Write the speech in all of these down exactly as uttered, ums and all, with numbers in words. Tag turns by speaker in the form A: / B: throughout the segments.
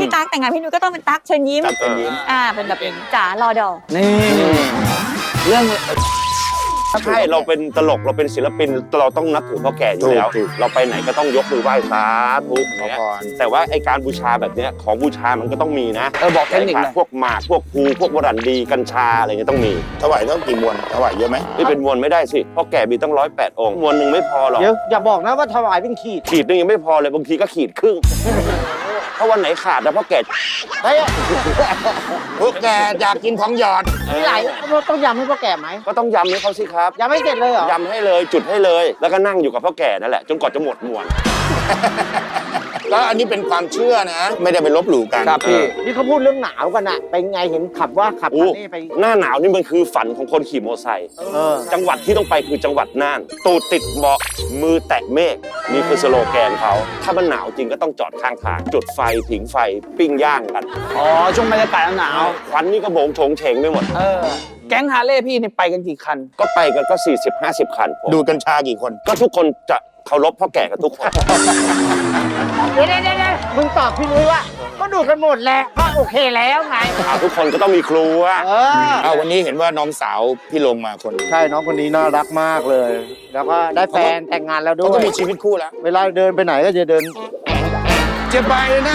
A: พี่ตั๊กแต่งงานพี่นุ้ยก็ต้องเป็นตั๊กเชิญยิ้มอ่าเป็นแบบจ๋ารอดอ
B: นี่เรื่อง
C: ใช่เราเป็นตลกเราเป็นศิลปินเราต้องนับถือพ่อแก่อยู่แล้วเราไปไหนก็ต้องยกมือไหว้สาธุเนี่ยแต่ว่าไอการบูชาแบบเนี้ยของบูชามันก็ต้องมีนะ
B: เออบอกเทคนิค
C: พวกหมากพวกภูพวกวรันดีกัญชาอะไรเงี้ยต้องมี
D: ถวายต้องกี่มวลถวายเยอะไหม
C: ไม่เป็นมวลไม่ได้สิพ่อแก่มีต้องร้อยแปดองค์มวลหนึ่งไม่พอหรอก
E: เดี๋ยวอย่าบอกนะว่าถวายเป็นขีด
C: ขีดนึงยังไม่พอเลยบางทีก็ขีดครึ่งถ้าวันไหนขาดนะพ่อแก่
E: เฮ้ย
D: พวกแกอยากกินของหยอด
E: ที่ไหนต้องยำให้พ่อแก่ไหม
C: ก็ต้องยำให้เขาสิครับ
E: ยำไม่เสร็จเลยเหรอย
C: ำให้เลยจุดให้เลยแล้วก็นั่งอยู่กับพ่อแก่นั่นแหละจนกว่าจะหมดมวล
D: แล้วอันนี้เป็นความเชื่อนะไม่ได้ไปลบหลู่กัน
B: ครับพี่
E: นี่เขาพูดเรื่องหนาวกันอะเป็นไงเห็นขับว่าขับนี่ไป
C: หน้าหนาวนี่มันคือฝันของคนขี่มอเตอร์ไซค์จังหวัดที่ต้องไปคือจังหวัดน่านตูดติดเบาะมือแตะเมฆนี่คือสโลแกนเขาถ้ามันหนาวจริงก็ต้องจอดข้างทางจุดไฟผิงไฟปิ้งย่างกัน
B: อ๋อช่วงบรรยากาศหนาว
C: ควันนี่ก็โบงโฉงเฉงไปหมด
B: เออแก๊งฮาร์เลย์พี่นี่ไปกันกี่คัน
C: ก็ไปกันก็ สี่สิบห้าสิบ คัน
D: ดูกัญชากี่คน
C: ก็ทุกคนจะเคารพพ่อแก่กันทุกคน
E: เดี๋ยวเดี๋ยวมึงตอบพี่นุ้ยว่าก็ดูกันหมดแหละก็โอเคแล้วไง
C: ทุกคนก็ต้องมีครูอ่ะ
D: เออวันนี้เห็นว่าน้องสาวพี่ลงมาคน
E: ใช่น้องคนนี้น่ารักมากเลยแล้วก็ได้แฟนแต่งงานแล้วด้วย
D: เขาก็มีชีวิตคู่แล้ว
E: เวลาเดินไปไหนก็จะเดิน
D: จะไปไหน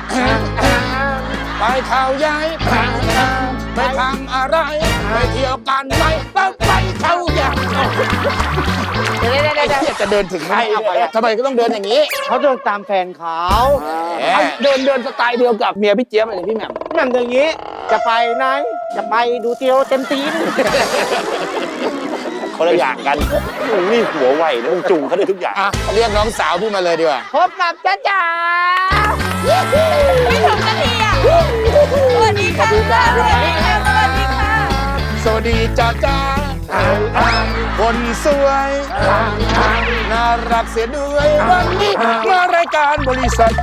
D: ไปเขาย้ายไปทำอะไรไปเที่ยวกันไหมไปเขาใหญ่
E: เดี๋ยวเดี๋ยวเดี๋ยว
D: อยากจะเดินถึงไหนทำไมก็ต้องเดินอย่างนี้
E: เขาเดินตามแฟนเขา
B: เดินเดินสไตล์เดียวกับเมียพี่เจี๊ยบเลยพี่แหม่ม
E: แหม่มอย่างนี้จะไปไหนจะไปดูเตียวเต็มตีน
C: คนละอย่างกันนี่หัวไวนะมึงจุงเขาได้ทุกอย่าง
D: เรียกน้องสาวพี่มาเลยดีกว่า
E: พบกับจ้าจ๋า
A: ไม่ถึงนาทีอ่ะสวัสดีค่ะสวัสดีค่ะสวัสดีค่ะ
D: สวัสดีจ้าจ้าคนสวยน่ารักเสียด้วยวันนี้มารายการบริษัท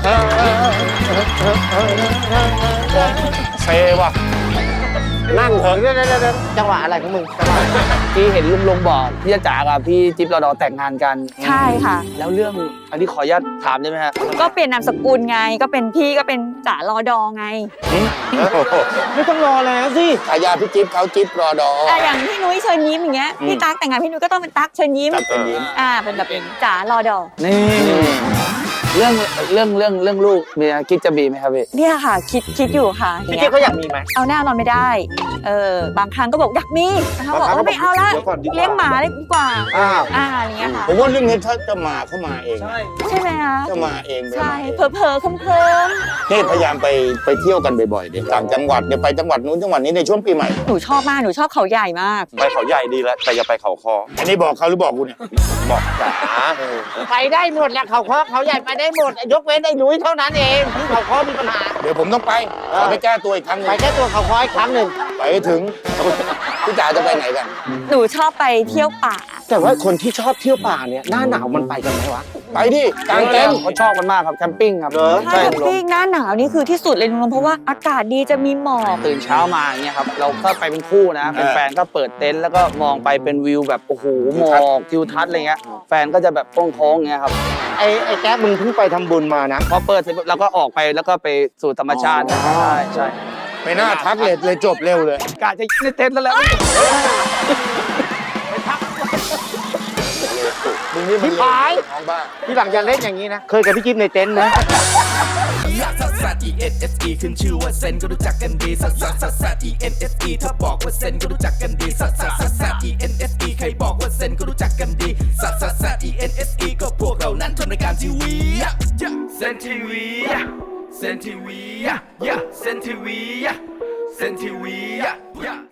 C: เซว่ะนั่งเถอะ
E: จังหวะอะไรของมึง
B: ที่เห็นลุงลงบอกพี่จ๋ากับพี่จิ๊บรอดอแต่งงานกัน
A: ใช่ค่ะ
B: แล้วเรื่องอันนี้ขออนุญาตถามได้ไหมฮะ
A: ก็เปลี่ยนนามสกุลไงก็เป็นพี่ก็เป็นจ๋ารอดอไง
E: ไม่ต้องรอแล้วสิ
D: ฉายาพี่จิ๊บเขาจิ๊บรอดอ
A: อย่างพี่นุ้ยเชิญยิ้มอย่างเงี้ยพี่ตั๊กแต่งงานพี่นุ้ยก็ต้องเป็นตั๊กเชิญยิ้มอ่าเป็นแบบจ๋ารอดอ
B: นี่เรื่องเรื่องเรื่องเรื่องลูกมีคิดจะมีไหมครับพี่
A: เนี่ยค่ะคิดคิดอยู่ค่ะ
E: พี่จิ๊บเขาอยากมีไหม
A: เอาแน่นอนไม่ได้เออบางครั้งก็บอกอยากมีเขาบอกว่าไม่เอาละเลี้ยงหมาเลยดีกว่า
E: อ้าว
A: อ่าอะไรเงี้ยค่ะ
D: ผมว่าเรื่องนี้ถ้าจะมาเข้ามาเอง
A: ใช่ไหมคะ
D: จะมาเอง
A: ใช่เผลอเผลอเคิมเคิม
D: นี่พยายามไปไปเที่ยวกันบ่อยๆเดี๋ยวต่างจังหวัดเดี๋ยวไปจังหวัดนู้นจังหวัดนี้ในช่วงปีใหม่
A: หนูชอบมากหนูชอบเขาใหญ่มาก
C: ไปเขาใหญ่ดีแล้วแต่อย่าไปเขาคอ
D: อันนี้บอกเขาหรือบอกกูเนี่ย
C: บอกจ๋า
E: ไปได้หมดแหละเขาคอเขาใหญ่ไปได้หมดยกเว้นไอ้นุ้ยเท่านั้นเองที่เขาคอมีปัญหา
D: เดี๋ยวผมต้องไปขอไปแก้ตัวอีกครั้งนึง
E: ไปแก้ตัวเขาคออีกครั้งหนึ่ง
D: ไปถึงพี่จ๋าจะไปไหนกัน
A: หนูชอบไปเที่ยวป่า
E: แต่ว่าคนที่ชอบเที่ยวป่าเนี่ยหน้าหนาวมันไปกันไหมวะ
D: ไปดิกางเต็นท์
B: เขาชอบกันมากครับแคมปิ้งครับ
A: ใช่แคมปิ้งหน้าหนาวนี่คือที่สุดเลยลุงเพราะว่าอากาศดีจะมีหมอก
B: ตื่นเช้ามาอย่างเงี้ยครับเราก็ไปเป็นคู่นะเป็นแฟนก็เปิดเต็นท์แล้วก็มองไปเป็นวิวแบบโอ้โหหมอกทิวทัศน์อะไรเงี้ยแฟนก็จะแบบโค้งๆเงี้ยครับ
E: ไอ้ไอ้แก๊ปมึงเพิ่งไปทำบุญมานะ
B: พอเปิดเสร็จแล้วก็ออกไปแล้วก็ไปสู่ธรรมชาติใช่ใช่
D: ไม่น่าทักเลยเลยจบเร็วเลย
B: กะจะในเต็นท์แล้วแหละ
E: พี่พายพี่หลังจะเล่นอย่างนี้นะเคยกับพี่จิ๊บในเต็นท์นะ
F: ซัสซัส อี เอ็น เอส อี ขึ้นชื่อว่าเซนก็รู้จักกันดีซัสซัสซัสซัส อี เอ็น เอส อี ถ้าบอกว่าเซนก็รู้จักกันดีซัสซัสซัสซัส อี เอ็น เอส อี ใครบอกว่าเซนก็รู้จักกันดีซัสซัสซัส อี เอ็น เอส อี ก็พวกเรานั้นทำรายการทีวีเซนทีวีเซนทีวีเซนทีวีเซนทีวี